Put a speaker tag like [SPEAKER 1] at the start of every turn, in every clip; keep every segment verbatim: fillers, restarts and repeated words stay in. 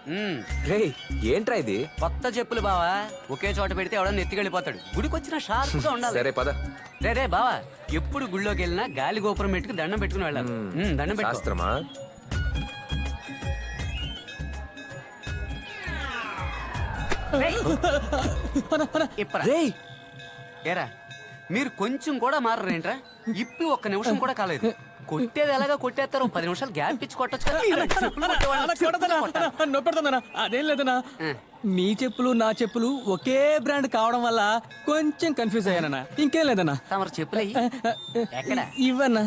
[SPEAKER 1] రే ఏంట్రా ఇది?
[SPEAKER 2] కొత్త చెప్పులు బావా, ఒకే చోట పెడితే ఎవడన్నా ఎత్తికెళ్ళిపోతాడు. గుడికి వచ్చిన షార్ప్ గా ఉండాలి.
[SPEAKER 1] సరే పద.
[SPEAKER 2] రే రే బావా, ఎప్పుడు గుళ్ళోకి వెళ్ళినా గాలి గోపురం పెట్టుకు దండం పెట్టుకుని వెళ్ళాలి. ఉమ్, దండం పెట్టు.
[SPEAKER 1] శాస్త్రమా?
[SPEAKER 2] ఇప్పరా.
[SPEAKER 1] రేయ్
[SPEAKER 2] ఏరా మీరు కొంచెం కూడా మారరేంట్రా? ఇప్పి ఒక్క నిమిషం కూడా కాలేదు. కొట్టేది ఎలాగా కొట్టేస్తారు, పది నిమిషాలు గ్యాప్ ఇచ్చి కొట్టచ్చు కదా.
[SPEAKER 3] నొప్పెడతానా? అదేం లేదనా, నీ చెప్పులు నా చెప్పులు ఒకే బ్రాండ్ కావడం వల్ల కొంచెం కన్ఫ్యూజ్ అయ్యానన్నా. ఇంకేం లేదన్నా.
[SPEAKER 2] తమరు చెప్పులు ఎక్కడ
[SPEAKER 3] ఇవన్నా?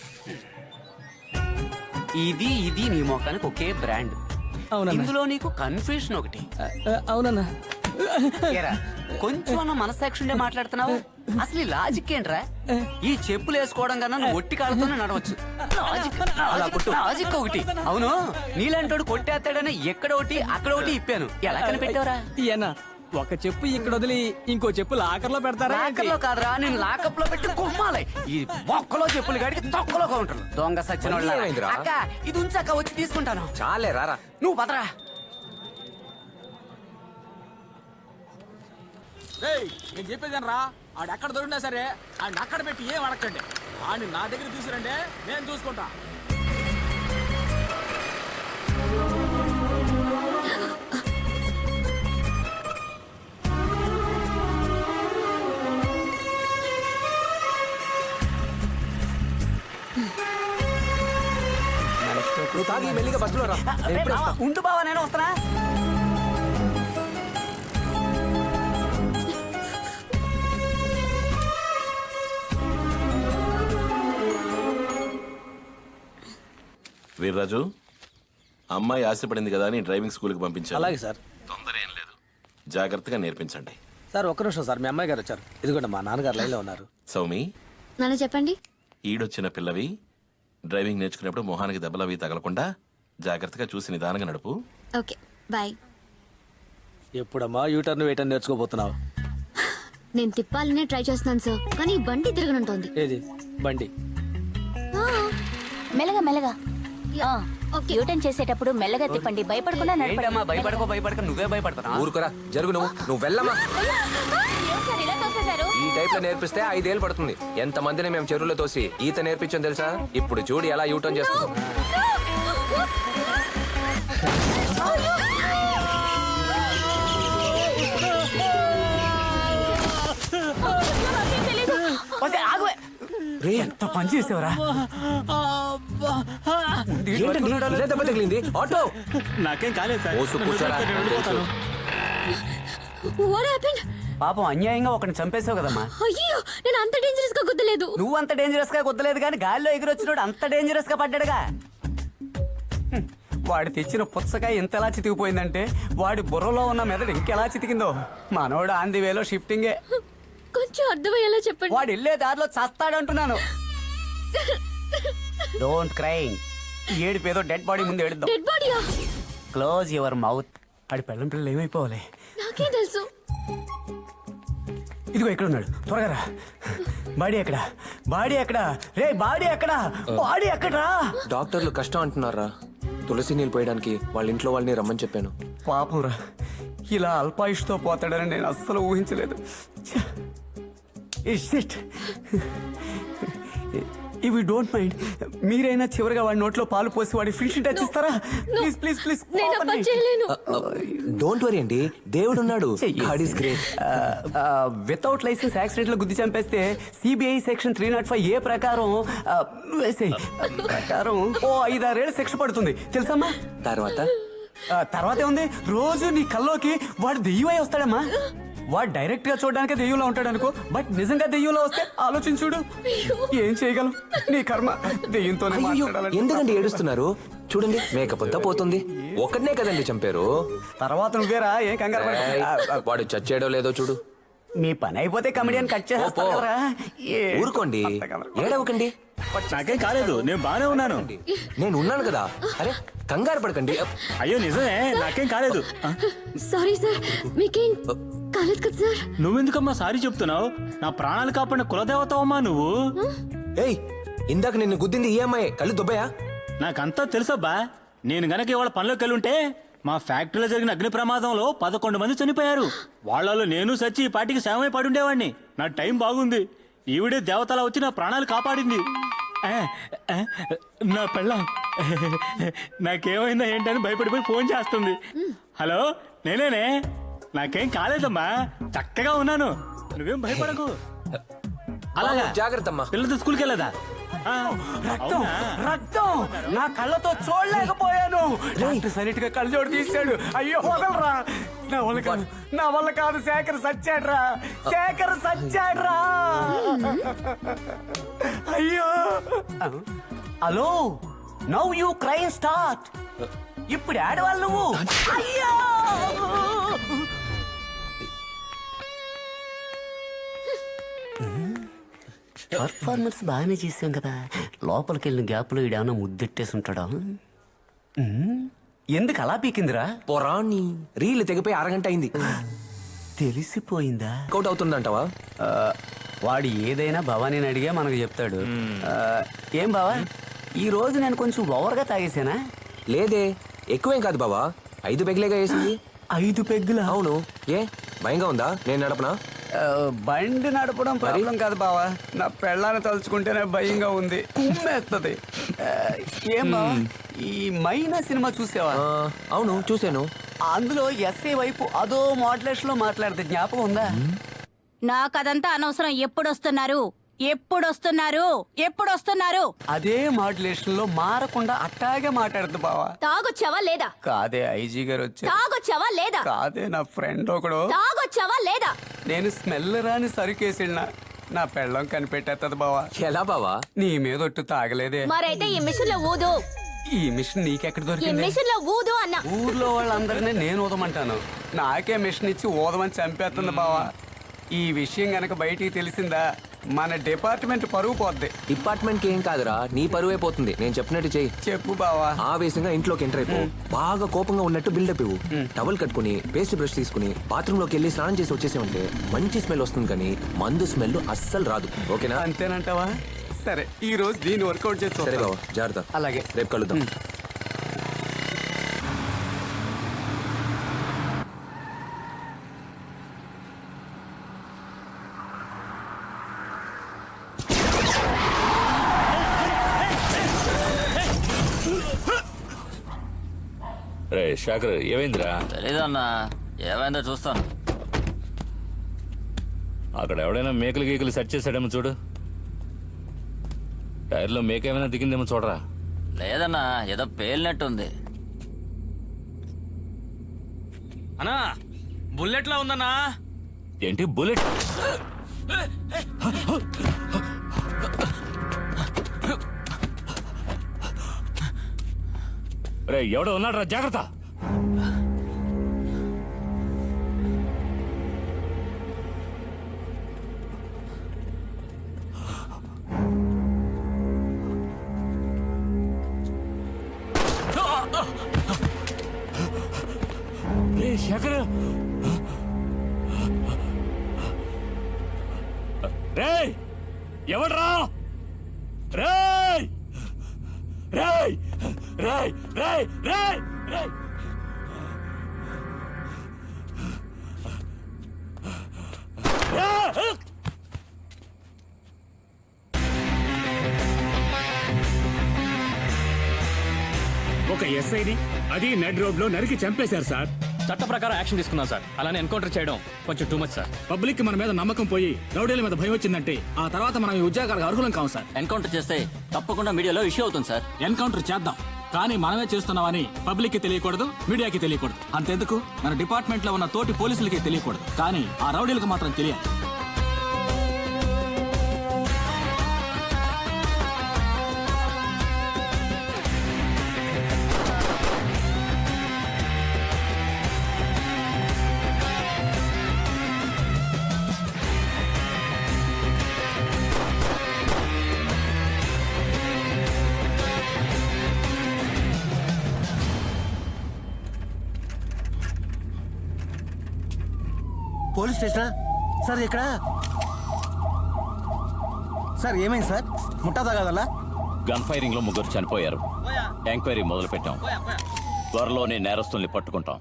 [SPEAKER 2] ఇది ఇది నీ మొఖానికి ఒకే బ్రాండ్.
[SPEAKER 3] అవునా?
[SPEAKER 2] ఇందులో నీకు కన్ఫ్యూషన్ ఒకటి.
[SPEAKER 3] అవునన్నా.
[SPEAKER 2] ఏరా కొంచెం అన్న మనసాక్షి ఉండే మాట్లాడుతున్నావు. అసలు ఈ లాజిక్ ఏంట్రా? ఈ చెప్పులు వేసుకోవడం కన్నా నువ్వు ఒట్టి కాళ్ళతోనే నడవచ్చు. లాజిక్ లాజిక్ ఒకటి. అవును, నీలాంటోడు కొట్టేస్తాడని ఎక్కడ ఒకటి అక్కడ ఒకటి ఇప్పాను. ఎలా కనిపెట్టావురా?
[SPEAKER 3] ఏనా ఒక చెప్పు ఇక్కడ వదిలి ఇంకో చెప్పు లాకర్ లో పెడతారా?
[SPEAKER 2] లాకర్ లో కాదురా, నేను లాకప్ లో పెట్టి కుమ్మాలి. ఈ బొక్కలో చెప్పులు గాడికి తొక్కలో కౌంటర్లు. దొంగ సచ్చిన వాళ్ళ.
[SPEAKER 1] ఏమైందిరా?
[SPEAKER 2] అక్క ఇది ఉంచాక వచ్చి తీసుకుంటాను.
[SPEAKER 1] చాలే రారా.
[SPEAKER 2] నువ్వు పదరా.
[SPEAKER 3] నేను చెప్పేదాను రా, ఆడు ఎక్కడ దొరికినా సరే ఆడిని అక్కడ పెట్టి ఏం అడగండి. ఆడిని నా దగ్గర తీసుకురండి, నేను చూసుకుంటా.
[SPEAKER 1] నువ్వు తాగి మెల్లిగా బస్సులో రా. నేను ఇప్పుడే వస్తా.
[SPEAKER 2] ఉండు బావా, నేను వస్తానా.
[SPEAKER 4] వీర్రాజు, అమ్మాయి ఆశపడింది కదా అని డ్రైవింగ్ స్కూల్కి పంపించాను.
[SPEAKER 3] అలాగే సార్.
[SPEAKER 4] తొందర ఏం లేదు, జాగ్రత్తగా నేర్పించండి.
[SPEAKER 3] సార్ ఒక్క నిమిషం సార్, మీ అమ్మాయి గారు వచ్చారు. ఇదిగోండి మా నాన్నగారు లైన్లో ఉన్నారు.
[SPEAKER 4] సౌమి,
[SPEAKER 5] నాన్న చెప్పండి.
[SPEAKER 4] ఈడొచ్చిన పిల్లవి డ్రైవింగ్ నేర్చుకునేప్పుడు మొహానికి దెబ్బలవి తగలకుండా జాగ్రత్తగా చూసి నిదానంగా నడుపు.
[SPEAKER 5] Okay bye.
[SPEAKER 3] ఎప్పుడమ్మా యూటర్న్ వేయటం నేర్చుకోబోతున్నావు?
[SPEAKER 5] నేను తిప్పాలనే ట్రై చేస్తున్నాను సార్, కానీ ఈ బండి తిరగనుంటోంది.
[SPEAKER 3] ఏది బండి?
[SPEAKER 6] మెల్లగా మెల్లగా
[SPEAKER 5] ఓకే.
[SPEAKER 6] యూటర్న్ చేసేటప్పుడు మెల్లగా తిప్పండి, భయపడకుండా నడపండి.
[SPEAKER 2] ఏంటమ్మా భయపడకో భయపడక నువ్వే భయపడతానా?
[SPEAKER 1] ఊరుకోరా, జరుగు. నువ్వు నువ్వు వెళ్ళమ్మా.
[SPEAKER 6] ఏం సార్ ఇలా తోసేశారు?
[SPEAKER 1] ఈ టైప్ లో నేర్పిస్తే ఐదేళ్ళు పడుతుంది. ఎంత మందిని మేము చెరువులో తోసి ఈత నేర్పించాం తెలుసా? ఇప్పుడు చూడు ఎలా యూటర్న్ చేస్తున్నాం.
[SPEAKER 2] ఎంత పని చేసేవరా?
[SPEAKER 1] ఏంటండి ఇలా దెబ్బ తగిలింది? ఆటో
[SPEAKER 3] నాకేం కాలేదు సార్.
[SPEAKER 1] ఓసు కూర్చోరా.
[SPEAKER 5] What happened?
[SPEAKER 2] పాపం అన్యాయంగా ఒకరిని చంపేసావు కదమ్మా.
[SPEAKER 5] అయ్యో, నేను అంత డేంజరస్ గా గుద్దలేదు.
[SPEAKER 2] నువ్వు అంత డేంజరస్ గా కుదలేదు కానీ గాలిలో ఎగిరొచ్చినోడు అంత డేంజరస్ గా పడ్డాడుగా. హ్మ్. వాడు తెచ్చిన పుచ్చకాయ ఎంతలా చితికిపోయిందంటే వాడి బుర్రలో ఉన్న మెదడు ఇంకెలా చితికిందో. మనోడు ఆన్ ది వేలో షిఫ్టింగే.
[SPEAKER 5] కొంచెం అర్థమయ్యేలా చెప్పండి.
[SPEAKER 2] వాడు వెళ్ళే దారిలో చస్తాడంటున్నాను. Don't crying. ఏడు పేదో డెడ్ బాడీ ముందు ఏడుద్దాం.
[SPEAKER 5] డెడ్ బాడీయా?
[SPEAKER 2] Close your mouth. ఆడి పెళ్ళం పిల్లలు ఏమైపోవాలి?
[SPEAKER 5] నాకే తెలుసు.
[SPEAKER 2] ఇదిగో ఇక్కడ ఉన్నాడు, త్వరగా రా. బాడీ ఎక్కడ? బాడీ ఎక్కడ? రే బాడీ ఎక్కడ? బాడీ ఎక్కడ్రా?
[SPEAKER 1] డాక్టర్లు కష్టం అంటున్నారా? తులసి నీళ్ళు పోయడానికి వాళ్ళ ఇంట్లో వాళ్ళని రమ్మని చెప్పాను.
[SPEAKER 2] పాపం రా, ఇలా అల్పాయుష్తో పోతాడని నేను అస్సలు ఊహించలేదు. ఇఫ్ యూ డోంట్ మైండ్, మీరైనా చివరిగా వాడి నోట్లో పాలు పోసి వాడి ఫినిషింగ్ టచ్ ఇస్తారా? Please please please.
[SPEAKER 5] నేను ఆ పని చేయలేను.
[SPEAKER 1] డోంట్ వరీ అండి, దేవుడు ఉన్నాడు. God is great.
[SPEAKER 2] Without licence accident లో గుద్ది చంపేస్తే CBI section three nought five A ప్రకారం ఆ, వేసేయ్. ప్రకారం ఓ ఐదారేళ్ళు శిక్ష పడుతుంది తెలుసమ్మా.
[SPEAKER 1] తర్వాత
[SPEAKER 2] ఆ, తర్వాత ఏముంది, రోజు నీ కల్లోకి వాడు దెయ్యమై వస్తాడమ్మా. వాడు డైరెక్ట్ గా చూడడానికి దెయ్యంలో ఉంటాడు అనుకో, బట్ నిజంగా దెయ్యంలో వస్తే ఆలోచించుడు. ఏం చేయగలం? నీ కర్మ. దెయ్యంతోనే
[SPEAKER 1] అయ్యో,
[SPEAKER 2] మాట్లాడాలి.
[SPEAKER 1] ఎందుకండి ఏడుస్తున్నారు? చూడండి మేకప్ అంతా పోతుంది. ఒక్కడనే కదండి చంపారు.
[SPEAKER 2] తర్వాత నువ్వేరా, ఏం కంగారు పడకు.
[SPEAKER 1] ఏయ్,
[SPEAKER 2] ఆ, ఆ,
[SPEAKER 1] వాడు చచ్చాడో లేదో చూడు.
[SPEAKER 2] మీ పని అయిపోతే కమెడియన్ కట్ చేస్తారా?
[SPEAKER 1] ఊరుకోండి, ఏడవకండి.
[SPEAKER 3] నాకేం కాలేదు, నేను బానే ఉన్నాను.
[SPEAKER 1] నేను ఉన్నాను కదా. అరే కంగారు పడకండి.
[SPEAKER 3] అయ్యో నిజమే, నాకేం కాలేదు.
[SPEAKER 5] సారీ సార్, మీకేం కాలేదు కదా సార్?
[SPEAKER 3] నువ్వెందుకమ్మా సారీ చెప్తున్నావు? నా ప్రాణాలు కాపాడిన కులదేవతవమ్మా నువ్వు.
[SPEAKER 1] ఏయ్, ఇందాక నిన్ను గుద్దింది ఈ అమ్మాయి. కళ్ళు దుబ్బయా?
[SPEAKER 3] నాకంతా తెలుసబ్బా. నేను గనక ఇవాళ పనిలోకి వెళ్ళుంటే
[SPEAKER 7] మా ఫ్యాక్టరీలో జరిగిన అగ్ని ప్రమాదంలో పదకొండు మంది చనిపోయారు. వాళ్ళలో నేను సచ్చి ఈ పాటికి శవమై పడుండేవాడిని. నా టైం బాగుంది. ఈవిడే దేవతలా వచ్చి నా ప్రాణాలు కాపాడింది. ఆ, ఆ, నా పెళ్ళాం నాకేమైందా ఏంటని భయపడిపోయి ఫోన్ చేస్తుంది. హలో, నేనేనే. నాకేం కాలేదమ్మా, చక్కగా ఉన్నాను. నువ్వేం భయపడకు. అలాగా
[SPEAKER 1] జాగ్రత్త అమ్మా.
[SPEAKER 7] పిల్లలతో స్కూల్కి వెళ్ళదా? ఆ,
[SPEAKER 2] రక్తం
[SPEAKER 7] అవునా?
[SPEAKER 2] రక్తం నా కళ్ళతో చూడలేకపోయాను. డాక్టర్ సరిగ్గా కళ్ళజోడు తీశాడు. అయ్యో వదలరా, నా వల్ల కాదు, నా వల్ల కాదు. శేఖర్ సచ్చాడ్రా, శేఖర్ సచ్చాడ్రా. అయ్యో. Hello, now you cry start. ఇప్పుడు ఆడవాళ్ళు నువ్వు. అయ్యో. పర్ఫార్మెన్స్ బాగానే చేసాం కదా. లోపలికి వెళ్ళిన గ్యాప్లో ఈడేమన్నా ముద్దెట్టేసి ఉంటాడా? ఉమ్, ఎందుకు అలా పీకిందిరా?
[SPEAKER 1] పొరాన్ని రీల్ తెగిపోయి అరగంట అయింది.
[SPEAKER 2] తెలిసిపోయిందా?
[SPEAKER 1] అవుట్ అవుతుందంటావా?
[SPEAKER 2] ఆ, వాడు ఏదైనా భవానీని అడిగే మనకు చెప్తాడు. ఆ, ఏం బావా, ఈ రోజు నేను కొంచెం ఓవర్గా తాగేసానా?
[SPEAKER 1] లేదే, ఎక్కువేం కాదు బావా. ఐదు పెగ్లేగా వేసింది.
[SPEAKER 2] ఐదు పెగ్గులా?
[SPEAKER 1] అవును. ఏ భయంగా ఉందా నేను నడపనా?
[SPEAKER 2] ఆ, బండి నడపడం ప్రాబ్లం కాదు బావా, నా పెళ్ళాన్ని తలుచుకుంటేనే భయంగా ఉంది, కుమ్మేస్తుంది. ఆ, ఏం బావా, ఈ మైనా సినిమా చూసావా?
[SPEAKER 1] ఆ, అవును చూశాను.
[SPEAKER 2] అందులో ఎస్ఏ వైపు అదో మోడ్యులేషన్ లో మాట్లాడితే జ్ఞాపకం ఉందా?
[SPEAKER 6] నాకు అదంతా అనవసరం. ఎప్పుడొస్తున్నారు ఎప్పుడొస్తున్నారు ఎప్పుడొస్తున్నారు
[SPEAKER 2] అదే మాడ్యులేషన్ లో మారకుండా అట్టాగే మాట్లాడుతుంది బావా.
[SPEAKER 5] తాగొచ్చావా లేదా?
[SPEAKER 2] కాదే ఐజీ గారు వచ్చారు.
[SPEAKER 5] తాగొచ్చావా లేదా?
[SPEAKER 2] కాదే నా ఫ్రెండ్ ఒకడు.
[SPEAKER 5] తాగొచ్చావా లేదా?
[SPEAKER 2] నేను స్మెల్ రాని సరుకేసినా నా పెళ్ళం కనిపెట్టేస్తుంది బావా.
[SPEAKER 1] ఎలా బావా?
[SPEAKER 2] నీ మీద ఒట్టు తాగలేదే.
[SPEAKER 5] మరైతే ఈ మిషన్ లో ఊదు.
[SPEAKER 2] ఈ మిషన్ నీకెక్కడ
[SPEAKER 5] ఈ
[SPEAKER 2] దొరికింది?
[SPEAKER 5] మిషన్ లో ఊదు అన్నా.
[SPEAKER 2] ఊర్లో వాళ్ళందరినీ నేను ఊదమంటాను, నాకే మిషన్ ఇచ్చి ఊదమని చంపేస్తుంది బావా. ఈ విషయం గనక బయటికి తెలిసిందా మన డిపార్ట్మెంట్ పరువు పోద్ది.
[SPEAKER 1] డిపార్ట్మెంట్ కి ఏం కాదురా, నీ పరువే పోతుంది. నేను చెప్పినట్టు చెయ్యి.
[SPEAKER 2] చెప్పు బావా.
[SPEAKER 1] ఆవేశంగా ఇంట్లోకి ఎంటర్ అయిపో. బాగా కోపంగా ఉన్నట్టు బిల్డప్ ఇవ్వు. టవల్ కట్టుకుని పేస్ట్ బ్రష్ తీసుకుని బాత్రూమ్ లోకి వెళ్ళి స్నానం చేసి వచ్చేసామంటే మంచి స్మెల్ వస్తుంది, కానీ మందు స్మెల్ అస్సలు రాదు. ఓకేనా?
[SPEAKER 2] అంతేనంటావా? సరే, ఈ రోజు దీన్ని వర్కౌట్ చేసి
[SPEAKER 1] సరే బావా, జాగ్రత్త.
[SPEAKER 2] అలాగే.
[SPEAKER 1] రేపు కలుద్దాం.
[SPEAKER 8] రే శేఖర్, ఏమైందిరా?
[SPEAKER 9] తెలీదన్నా, ఏమైందో చూస్తాను.
[SPEAKER 8] అక్కడ ఎవడైనా మేకలు గీకలు సెట్ చేశాడేమో చూడు. టైర్లో మేక ఏమైనా దిగిందేమో చూడరా.
[SPEAKER 9] లేదన్నా, ఏదో పేలినట్టుంది.
[SPEAKER 3] అన్నా బుల్లెట్ లా ఉందన్నా.
[SPEAKER 8] ఏంటి బుల్లెట్? రే ఎవడో ఉన్నాడు రా, జాగ్రత్త. రే శేఖర్, రే ఎవడ్రా? రేయ్ రేయ్ రేయ్ రేయ్ రేయ్ రేయ్
[SPEAKER 7] ఒక ఎస్ఐని అది నెడ్ రోడ్ లో నరికి చంపేశారు సార్.
[SPEAKER 3] చట్ట ప్రకారం యాక్షన్ తీసుకున్నాం సార్. అలానే ఎన్కౌంటర్ చేయడం కొంచెం టూ మచ్ సార్.
[SPEAKER 7] పబ్లిక్ కి మన మీద నమ్మకం పోయి రౌడీల మీద భయం వచ్చిందంటే ఆ తర్వాత మనం ఈ ఉద్యోగాలకు అర్హులం కావు సార్.
[SPEAKER 9] ఎన్కౌంటర్ చేస్తే తప్పకుండా మీడియాలో ఇష్యూ అవుతుంది సార్.
[SPEAKER 7] ఎన్కౌంటర్ చేద్దాం, కానీ మనమే చేస్తున్నామని పబ్లిక్ కి తెలియకూడదు, మీడియాకి తెలియకూడదు. అంతెందుకు మన డిపార్ట్మెంట్ లో ఉన్న తోటి పోలీసులకి తెలియకూడదు, కానీ ఆ రౌడీలకు మాత్రం తెలియాలి.
[SPEAKER 10] పోలీస్ స్టేషనా సార్? ఇక్కడ సార్ ఏమైంది సార్? ముట్టా తగదలా?
[SPEAKER 8] గన్ ఫైరింగ్ లో ముగ్గురు చనిపోయారు. ఎంక్వైరీ మొదలు పెట్టాం. త్వరలోనే నేరస్తుల్ని పట్టుకుంటాం.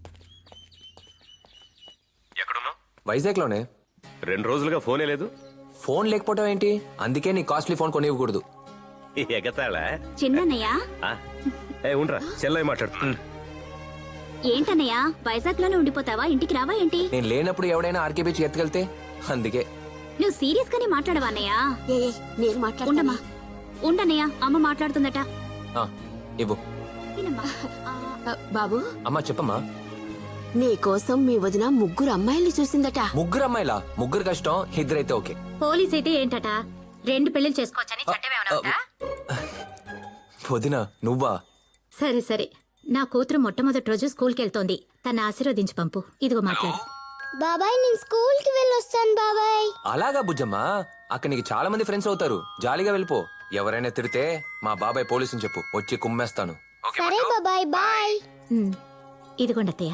[SPEAKER 1] వైజాగ్ లోనే.
[SPEAKER 11] రెండు రోజులుగా ఫోనే లేదు.
[SPEAKER 1] ఫోన్ లేకపోవడం ఏంటి? అందుకే నీ కాస్ట్లీ ఫోన్ కొనివ్వకూడదు.
[SPEAKER 11] ఎగతాళా?
[SPEAKER 5] చిన్నయ్య
[SPEAKER 11] ఆ, ఏ ఉండరా, చెల్లై మాట్లాడుతున్నా.
[SPEAKER 5] ఏంటన్నయ్య వైజాగ్ లోనే ఉండిపోతావా? ఇంటికి రావా ఏంటి?
[SPEAKER 1] నేను లేనప్పుడు ఎవడైనా ఆర్కే బీచ్ ఎత్తుకెళ్తే అందుకే.
[SPEAKER 5] నువ్వు సీరియస్ గానే మాట్లాడవా అన్నయ్య? నేను మాట్లాడమ్మా. ఉండన్నయ్య, అమ్మ మాట్లాడుతుందట.
[SPEAKER 1] ఆ, ఇవ్వు.
[SPEAKER 12] బాబు,
[SPEAKER 1] అమ్మా చెప్పమ్మా.
[SPEAKER 12] నీ కోసం మీ వదిన ముగ్గురు అమ్మాయిల్ని చూసిందట.
[SPEAKER 1] ముగ్గురు అమ్మాయిలా? ముగ్గురు కష్టం, ఇద్దరైతే ఓకే.
[SPEAKER 5] పోలీస్ అయితే ఏంటట? రెండు పెళ్లిలు చేసుకోవచ్చని చట్టం ఏమైనా ఉందా?
[SPEAKER 1] వదిన నువ్వా?
[SPEAKER 5] సరే సరే, నా కూతురు మొట్టమొదటి రోజు స్కూల్కి వెళ్తోంది. తన ఆశీర్వదించి పంపు. ఇదిగో మాట్లాడు.
[SPEAKER 12] బాబాయ్, నేను స్కూల్ కి వెళ్ళొస్తాను బాబాయ్.
[SPEAKER 1] అలాగా బుజ్జమ్మా, అక్కడ నీకు చాలా మంది ఫ్రెండ్స్ అవుతారు. జాలీగా వెళ్ళిపో. ఎవరైనా తిడితే మా బాబాయ్ పోలీసుని చెప్పు, వచ్చి కుమ్మేస్తాను.
[SPEAKER 12] సరే బాబాయ్, బాయ్.
[SPEAKER 5] ఉమ్, ఇదిగోండి అత్తయ్య.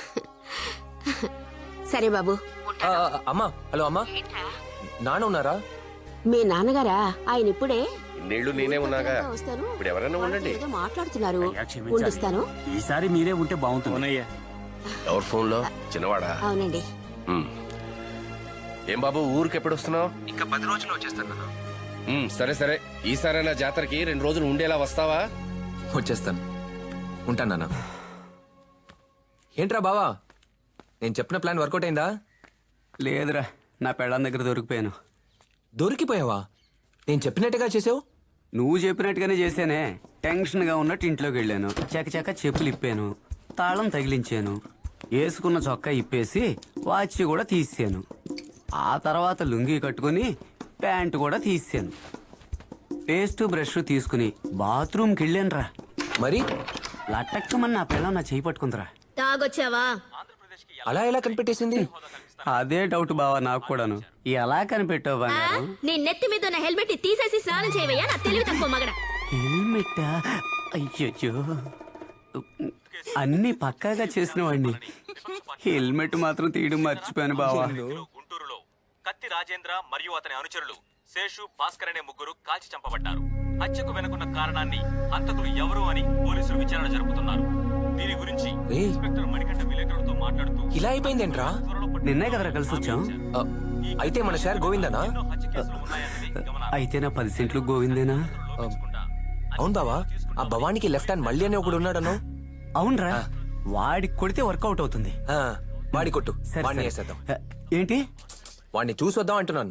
[SPEAKER 12] సరే బాబు.
[SPEAKER 1] ఆ, ఆ, అమ్మా. హలో అమ్మా, నాన్న ఉన్నారా?
[SPEAKER 12] మీ నాన్నగారా? ఆయన ఇప్పుడే
[SPEAKER 11] నీళ్లు నేనే ఉన్నాగా.
[SPEAKER 12] వస్తాను.
[SPEAKER 11] ఇప్పుడు ఎవరైనా ఉండండి.
[SPEAKER 12] ఏదో మాట్లాడుతున్నారు. ఉండిస్తాను.
[SPEAKER 7] ఈసారి మీరే ఉంటే బాగుంటుంది.
[SPEAKER 11] ఎవరి ఫోన్ లో? చిన్నవాడా?
[SPEAKER 12] అవునండి.
[SPEAKER 11] ఉమ్. ఏం బాబు, ఊరికి ఎప్పుడు వస్తున్నావు?
[SPEAKER 1] ఇంకా పది రోజుల్లో వచ్చేస్తాను.
[SPEAKER 11] ఉమ్, సరే సరే, ఈసారైనా జాతరకి రెండు రోజులు ఉండేలా వస్తావా?
[SPEAKER 1] వచ్చేస్తాను. ఉంటాను నాన్న. ఏంట్రా బావా, నేను చెప్పిన ప్లాన్ వర్కౌట్ అయిందా?
[SPEAKER 2] లేదురా, నా పెళ్ళాం దగ్గర దొరికిపోయాను.
[SPEAKER 1] దొరికిపోయావా? నేను చెప్పినట్టుగా చేసావు.
[SPEAKER 2] నువ్వు చెప్పినట్టుగానే చేశానే. టెన్షన్గా ఉన్నట్టు ఇంట్లోకి వెళ్ళాను. చకచక చెప్పులు ఇప్పాను, తాళం తగిలించాను, వేసుకున్న చొక్కా ఇప్పేసి వాచ్ కూడా తీసాను. ఆ తర్వాత లుంగీ కట్టుకుని ప్యాంటు కూడా తీసాను. పేస్ట్ బ్రష్ తీసుకుని బాత్రూమ్కి వెళ్ళానురా.
[SPEAKER 1] మరి
[SPEAKER 2] లట్టక్కమని నా పిల్ల నా చేయి పట్టుకుందిరా.
[SPEAKER 5] తాగొచ్చావా?
[SPEAKER 1] అలా ఎలా కనిపెట్టేసింది?
[SPEAKER 2] అదే డౌట్ బావా నాకు కూడాను. ఎలా కనిపెట్టావు బంగారం?
[SPEAKER 5] నీ నెత్తి మీద ఉన్న హెల్మెట్ తీసేసి స్నానం చేయవయ్యా, నా తెలివి తక్కువ మగడ.
[SPEAKER 2] హెల్మెట్? అయ్యో, అన్ని పక్కాగా చేసిన వాడిని. హెల్మెట్ మాత్రం తీయడం మర్చిపోయాను బావా.
[SPEAKER 7] గుంటూరులో కత్తి రాజేంద్ర మరియు అతని అనుచరులు శేషు, భాస్కర్ అనే ముగ్గురు కాల్చి చంపబడ్డారు. హత్యకు వెనుకున్న కారణాన్ని హంతకులు ఎవరు అని పోలీసులు విచారణ జరుపుతున్నారు. దీని గురించి
[SPEAKER 1] ఏయ్,
[SPEAKER 7] ఇన్స్పెక్టర్ మణికంఠ విలేకరులతో మాట్లాడుతూ
[SPEAKER 1] ఇలా అయిపోయిందేంట్రా?
[SPEAKER 2] నిన్నే కదరా కలిసి వచ్చాం.
[SPEAKER 1] ఆ, అయితే మన షేర్ గోవిందనా?
[SPEAKER 7] హత్య కేసులు ఉన్నాయన్నది గమనార్హం.
[SPEAKER 2] అయితే నా పది సెంట్లు గోవిందేనా?
[SPEAKER 1] అవును బావా, ఆ భవానికి లెఫ్ట్ హ్యాండ్ మళ్ళీ అని ఒకడు ఉన్నాడను.
[SPEAKER 2] అవునరా, వాడికి కొడితే వర్కౌట్ అవుతుంది.
[SPEAKER 1] ఆ, వాడి కొట్టు,
[SPEAKER 2] సరే,
[SPEAKER 1] వాడిని
[SPEAKER 2] సరే.
[SPEAKER 1] వేసేద్దాం.
[SPEAKER 2] ఏంటి?
[SPEAKER 1] వాడిని చూసొద్దాం అంటున్నాను.